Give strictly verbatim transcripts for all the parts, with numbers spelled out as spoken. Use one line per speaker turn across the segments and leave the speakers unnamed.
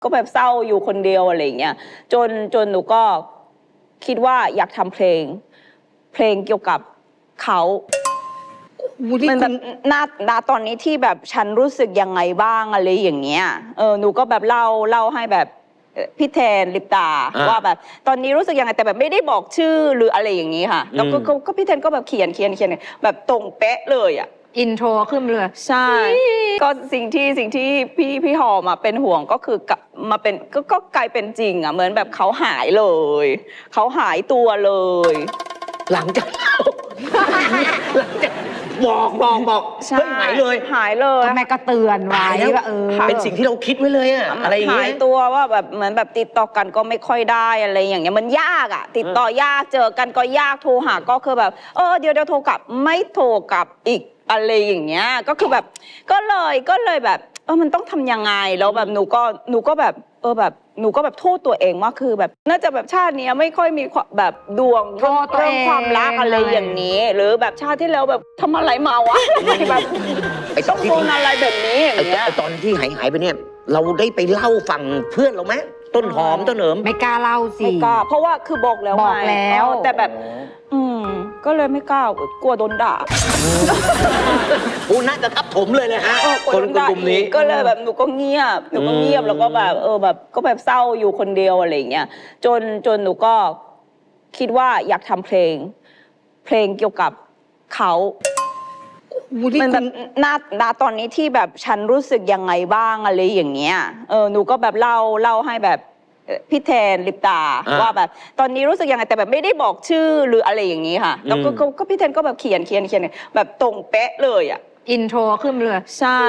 ก็แบบเศร้าอยู่คนเดียวอะไรเงี้ยจนจนหนูก็คิดว่าอยากทำเพลง เพลงเกี่ยวกับเขามันแบบณณตอนนี้ที่แบบฉันรู้สึกยังไงบ้างอะไรอย่างเงี้ยเออหนูก็แบบเล่าเล่าให้แบบพี่แทนลิปตาว่าแบบตอนนี้รู้สึกยังไงแต่แบบไม่ได้บอกชื่อหรืออะไรอย่างนี้ค่ะแล้วก็ก็พี่แทนก็แบบเขียนเขียนเขียนแบบตรงเป๊ะเลยอ่ะ
อินโทรขึ้นเลย
ใช่ก็สิ่งที่สิ่งที่พี่พี่หอมาเป็นห่วงก็คือมาเป็นก็ก็กลายเป็นจริงอ่ะเหมือนแบบเขาหายเลยเขาหายตัวเลย
หลังจากหลังจากบอกบอกบอกเฮ้ยหายเลย
หายเลย
แม่ก็เตือนไว้ว่าเออ
เป็นสิ่งที่เราคิดไว้เลยอะอะไรอย่างเงี้ย
หายตัวว่าแบบเหมือนแบบติดต่อกันก็ไม่ค่อยได้อะไรอย่างเงี้ยมันยากอะติดต่อยากเจอกันก็ยากโทรหาก็คือแบบเออเดี๋ยวเดี๋ยวโทรกลับไม่โทรกลับอีกอะไรอย่างเงี้ยก็คือแบบก็เลยก็เลยแบบเออมันต้องทำยังไงแล้วแบบหนูก็หนูก็แบบเออแบบหนูก็แบบโทษตัวเองว่าคือแบบน่าจะแบบชาตินี้ไม่ค่อยมีแบบดวงเรื่องความรักอะไรอย่างนี้หรือแบบชาติที่แล้วแบบทำอะไรมาวะแบบ
ไอ้ตอนที่
อะไรแบบนี้อย่างเงี้ย
ไอ้ตอนที่หายหายไปเนี่ยเราได้ไปเล่าฟังเพื่อนเราไหมต้นหอมต้นเหนิม
ไม่กล้าเล่าสิ
ไม่กล้าเพราะว่าคือบอกแล้ว
บอกแล้ว
แต่แบบอืมก็เลยไม่กล้ากลัวโดนด่า
โอ้น่าจะทับถมเลยนะฮะคนกลุ่มนี้
ก็เลยแบบหนูก็เงียบหนูก็เงียบแล้วก็แบบเออแบบก็แบบเศร้าอยู่คนเดียวอะไรเงี้ยจนจนหนูก็คิดว่าอยากทำเพลง เพลงเกี่ยวกับเขามันแบบณณตอนนี้ที่แบบฉันรู้สึกยังไงบ้างอะไรอย่างเงี้ยเออหนูก็แบบเล่าเล่าให้แบบพี่แทนลิปตาว่าแบบตอนนี้รู้สึกยังไงแต่แบบไม่ได้บอกชื่อหรืออะไรอย่างนี้ค่ะแล้วก็ก็พี่แทนก็แบบเขียนเขียนเขียนแบบตรงเป๊ะเลยอ่ะ
อินโทรขึ้นเลย
ใช่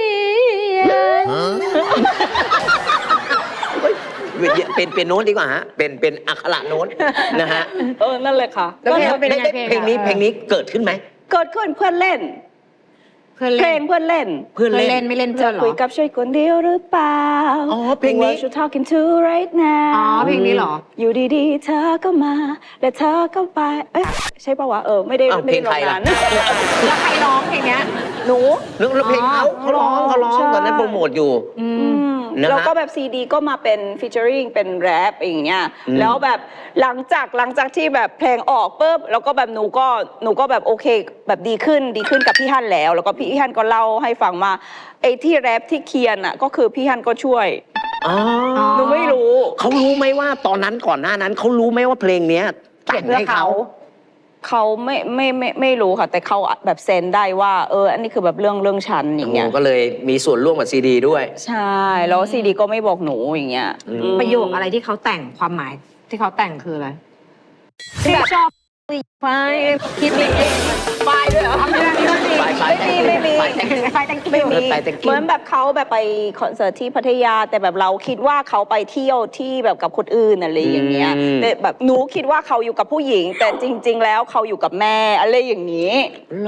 เป็นเป็นโน้ตดีกว่าฮะเป็นเป็นอักขระโน้ตนะฮะ
เออนั่นเลยค่ะ
แล้วเพลง
เพลงนี้เพลงนี้เกิดขึ้นไหม
เกิดขึ้นเพื่อนเล่นเพลงเพื่อนเล่น
เพื่อนเล่นไม่เล่นเพื่อนหรอ
คุยกับช่วยคนเดียวหรือเปล่า
อ๋อเพลงนี้
What you talking to right now
อ๋อเพลงนี้หรอ
อยู่ดีๆเธอก็มาและเธอก็ไปเอ้ยใช่ป่าวะเออไม่ได้ไม่ได้ร้องนาน
แล้วใครร้องเพลงเนี้ย
หนู
แล้วเพลงเขาเขาร้องเขาร้องตอนนั้นโปรโมทอยู่
แล้วก็แบบซีดีก็มาเป็นฟีเจอริงเป็นแรปอย่างเงี้ยแล้วแบบหลังจากหลังจากที่แบบเพลงออกปุ๊บแล้วก็แบบหนูก็หนูก็แบบโอเคแบบดีขึ้นดีขึ้นกับพี่ฮั่นแล้วแล้วก็พี่ฮั่นก็เล่าให้ฟังมาไอ้ที่แรปที่เคียนอ่ะก็คือพี่ฮั่นก็ช่วยหนูไม่รู้
เขารู้ไหมว่าตอนนั้นก่อนหน้านั้นเขารู้ไหมว่าเพลงเนี้ยแต่งให้เขา
เขาไม่ไม่ไม่ไม่รู้ค่ะแต่เขาแบบเซนได้ว่าเอออันนี้คือแบบเรื่องเรื่องฉันอย่างเงี้ย
ก็เลยมีส่วนร่วมกับซีดีด้วย
ใช่แล้วซีดีก็ไม่บอกหนูอย่างเงี้ย
ประโยคอะไรที่เขาแต่งความหมายที่เขาแต่งคืออะไรที่ชอบไฟคิดเอง
ไฟด้วยเหรอไม่มีไม่มี
ไฟแต่งไฟแต่ง
ไม่มีเหมือนแบบเขาแบบไปคอนเสิร์ตที่พัทยาแต่แบบเราคิดว่าเขาไปเที่ยวที่แบบกับคนอื่นอะไรอย่างเงี้ยแต่แบบหนูคิดว่าเขาอยู่กับผู้หญิงแต่จริงๆแล้วเขาอยู่กับแม่อะไรอย่างนี้